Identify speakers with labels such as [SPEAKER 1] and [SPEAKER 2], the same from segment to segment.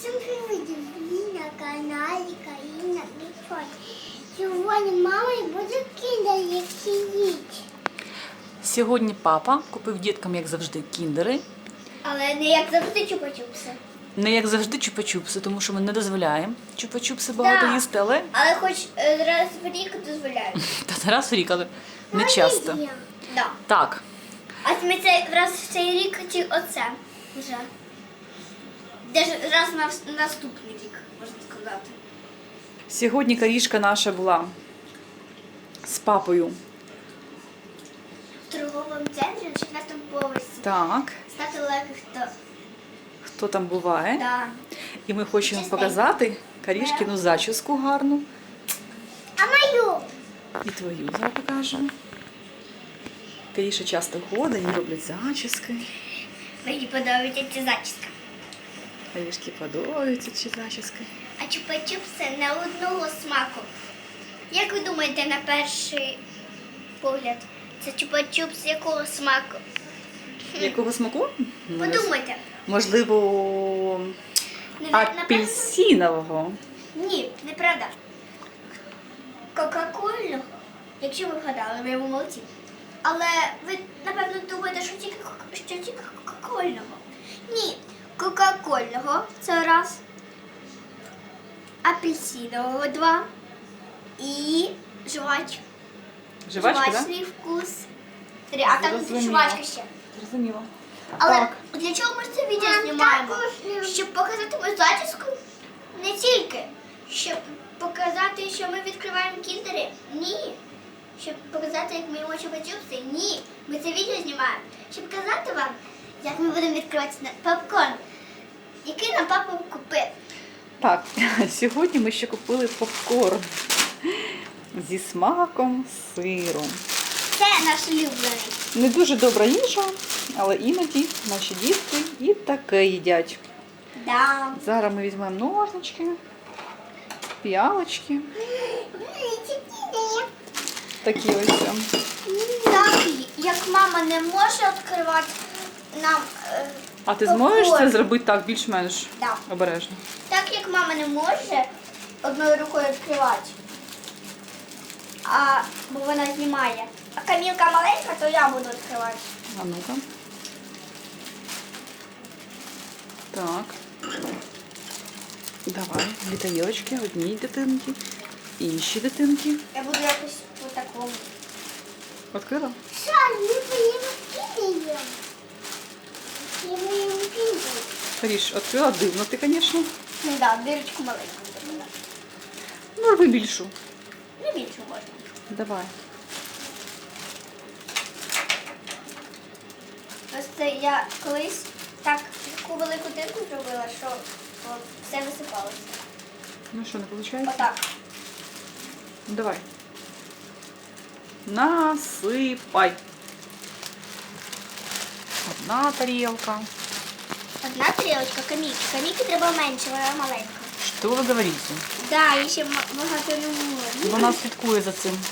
[SPEAKER 1] Всім привіт! Ви на каналі Каріна Міфон. Сьогодні мама буде кіндери їсти.
[SPEAKER 2] Сьогодні папа купив діткам, як завжди, кіндери.
[SPEAKER 1] Але не як завжди чупа-чупси.
[SPEAKER 2] Не як завжди чупа-чупси, тому що ми не дозволяємо чупа-чупси багато
[SPEAKER 1] Да.
[SPEAKER 2] їсти, але
[SPEAKER 1] Але хоч раз в рік дозволяють.
[SPEAKER 2] та раз в рік, але не часто.
[SPEAKER 1] Да.
[SPEAKER 2] Так,
[SPEAKER 1] А ми це раз в цей рік чи оце вже? Даже раз на наступний рік, можна сказати.
[SPEAKER 2] сьогодні Карішка наша була з папою.
[SPEAKER 1] В торговому центрі на 4-му поверсі.
[SPEAKER 2] Так,
[SPEAKER 1] Ставте лайки,
[SPEAKER 2] хто там буває.
[SPEAKER 1] Да.
[SPEAKER 2] І ми хочемо
[SPEAKER 1] Чистенько.
[SPEAKER 2] показати Карішкину зачіску гарну.
[SPEAKER 1] А мою?
[SPEAKER 2] І твою зараз покажемо. Каріша часто ходить, і роблять зачіски.
[SPEAKER 1] Мені подобається ця зачіска.
[SPEAKER 2] Карішки подобаються ці зачіски.
[SPEAKER 1] А чупа-чупси не одного смаку. Як ви думаєте, на перший погляд, це чупа-чупс якого смаку?
[SPEAKER 2] Якого смаку? Ну, не
[SPEAKER 1] Подумайте.
[SPEAKER 2] Можливо, апельсинового.
[SPEAKER 1] Ні, неправда. Кока-кольного, якщо ви вгадали, ви молодці. Але ви, напевно, думаєте, що тільки кока-кольного. Ні, кока-кольного – це раз. Апельсинового – два. І
[SPEAKER 2] Жвачка, так?
[SPEAKER 1] жвачний вкус. Три. А там
[SPEAKER 2] Зрозуміло.
[SPEAKER 1] жвачка ще.
[SPEAKER 2] Зрозуміло.
[SPEAKER 1] Але
[SPEAKER 2] Так.
[SPEAKER 1] для чого ми це відео знімаємо? Щоб показати мою зачіску? Не тільки. Щоб показати, що ми відкриваємо кіндери? Ні. Щоб показати, як ми їмо чупа-чупси? Ні. Ми це відео знімаємо. Щоб показати вам, як ми будемо відкривати попкорн, який нам папа купив.
[SPEAKER 2] Так, сьогодні ми ще купили попкорн зі смаком сиру.
[SPEAKER 1] Це наш улюблений.
[SPEAKER 2] Не дуже добра їжа, але іноді наші дітки і таке їдять.
[SPEAKER 1] Да.
[SPEAKER 2] Зараз ми візьмемо ножнички, піалочки. Такі ось.
[SPEAKER 1] Так, як мама не може відкривати нам
[SPEAKER 2] А ти зможеш
[SPEAKER 1] попкорн.
[SPEAKER 2] це зробити так більш-менш
[SPEAKER 1] Да.
[SPEAKER 2] обережно?
[SPEAKER 1] Так як мама не може одною рукою відкривати, бо вона знімає. А Камілка маленька, то я буду відкривати.
[SPEAKER 2] А ну-ка. Так. Давай, дві тарілочки, одній дитинки, інші дитинки.
[SPEAKER 1] Я буду якось по такому.
[SPEAKER 2] Відкрила?
[SPEAKER 1] Що, ми поїмо кіндер? Ми поїмо кіндер.
[SPEAKER 2] Каріш, відкрила дивно ти, звісно.
[SPEAKER 1] Ну так, дирочку маленьку зробила.
[SPEAKER 2] Ну, роби більшу.
[SPEAKER 1] Не більше можна.
[SPEAKER 2] Давай.
[SPEAKER 1] Просто я колись так таку велику дирку зробила, що все висипалося.
[SPEAKER 2] Ну що, не виходить?
[SPEAKER 1] Отак.
[SPEAKER 2] Давай. Насипай. Одна тарілка.
[SPEAKER 1] Одна тарілочка Каміки. Каміки треба менше, вона маленька.
[SPEAKER 2] Що ви говорите?
[SPEAKER 1] Да, і ще багато не можна.
[SPEAKER 2] Вона слідкує за цим.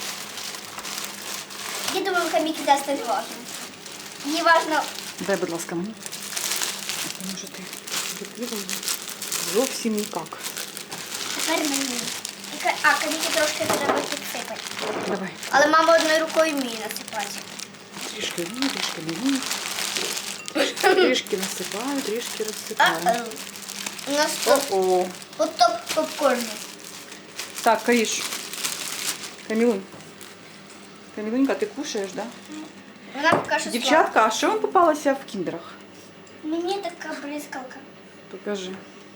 [SPEAKER 1] Я думаю, Каміки дасть не важно. Їй важно.
[SPEAKER 2] Дай, будь ласка, мені. Тому що ти відкрила зовсім ніяк.
[SPEAKER 1] Тепер мені. Каміки трошки треба підсипати.
[SPEAKER 2] Давай.
[SPEAKER 1] Але мама одною рукою вміє насипати.
[SPEAKER 2] Трішки вмію, трішки не вмію. Трішки насипаю, трішки розсипаю.
[SPEAKER 1] У нас тут
[SPEAKER 2] О-о.
[SPEAKER 1] потоп попкорну.
[SPEAKER 2] Так, Каріш. Камілунь. Камілунька, ти кушаєш, да?
[SPEAKER 1] Вона поки що
[SPEAKER 2] Дівчатка, а що вам попалося в кіндерах?
[SPEAKER 1] слабка. Мені така бризкалка.
[SPEAKER 2] Покажи.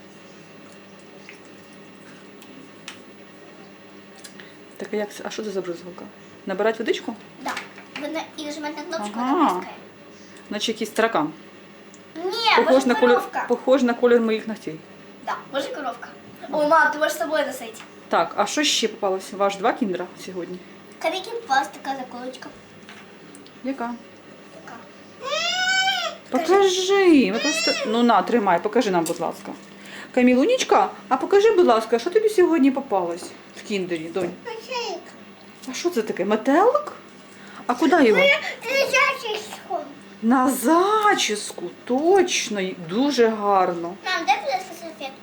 [SPEAKER 2] Так, а як це? А що це за бризгалка? Набирати водичку?
[SPEAKER 1] Да. Вона і нажимати на кнопочку,
[SPEAKER 2] Ага.
[SPEAKER 1] вона бризкає.
[SPEAKER 2] Наче якийсь таракан.
[SPEAKER 1] Ні,
[SPEAKER 2] Похож
[SPEAKER 1] може
[SPEAKER 2] на колір,
[SPEAKER 1] коровка.
[SPEAKER 2] похож на колір моїх ногтей.
[SPEAKER 1] Да, може коровка. О, мам, ти можеш з собою носити.
[SPEAKER 2] Так, а що ще попалося? Ваш два кіндера сьогодні?
[SPEAKER 1] Каміки попалась така заколочка.
[SPEAKER 2] Яка?
[SPEAKER 1] Така.
[SPEAKER 2] Покажи. Ми просто... Ну на, тримай, покажи нам, будь ласка. Камілунічка, а покажи, будь ласка, що тобі сьогодні попалось в кіндері, донь? А що це таке? Метелик? А куди його?
[SPEAKER 1] Зачіску.
[SPEAKER 2] На зачіску, точно, дуже гарно.
[SPEAKER 1] Мам, дай, будь ласка, салфетку.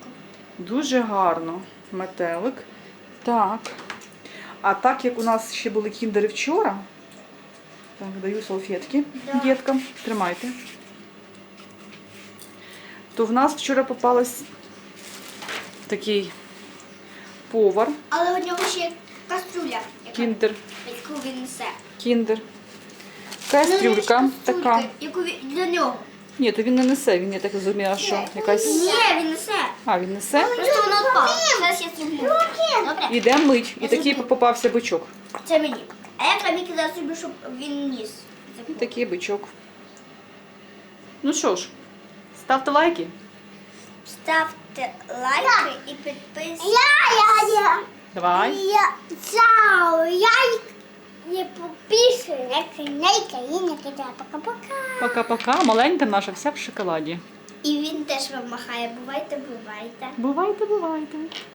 [SPEAKER 2] Дуже гарно. Метелик. Так. А так як у нас ще були кіндери вчора, так, даю салфетки
[SPEAKER 1] Да.
[SPEAKER 2] діткам. Тримайте. То в нас вчора попалась такий повар,
[SPEAKER 1] Але у нього ще є кастрюля,
[SPEAKER 2] кіндер,
[SPEAKER 1] яку він несе.
[SPEAKER 2] кіндер.
[SPEAKER 1] Ну,
[SPEAKER 2] Кастрюлька така.
[SPEAKER 1] Яку для нього.
[SPEAKER 2] Ні, то він не несе, він, я так розумію, що якась...
[SPEAKER 1] Ні, він несе.
[SPEAKER 2] А, він несе?
[SPEAKER 1] Просто воно впало. Зараз я зроблю. Добре?
[SPEAKER 2] Іде мить. І
[SPEAKER 1] Я
[SPEAKER 2] такий
[SPEAKER 1] зроблю.
[SPEAKER 2] попався бичок.
[SPEAKER 1] Це мені. А я Каміки зараз зроблю, щоб він ніс.
[SPEAKER 2] І такий бичок. Ну що ж, ставте лайки.
[SPEAKER 1] Ставте лайки і підписуйтесь.
[SPEAKER 2] Давай.
[SPEAKER 3] Я не подписываюсь на канал Карина Кита. Пока-пока.
[SPEAKER 2] Пока-пока. Маленька наша вся в шоколаді.
[SPEAKER 1] І він теж вам махає. Бувайте, бувайте.
[SPEAKER 2] Бувайте, бувайте.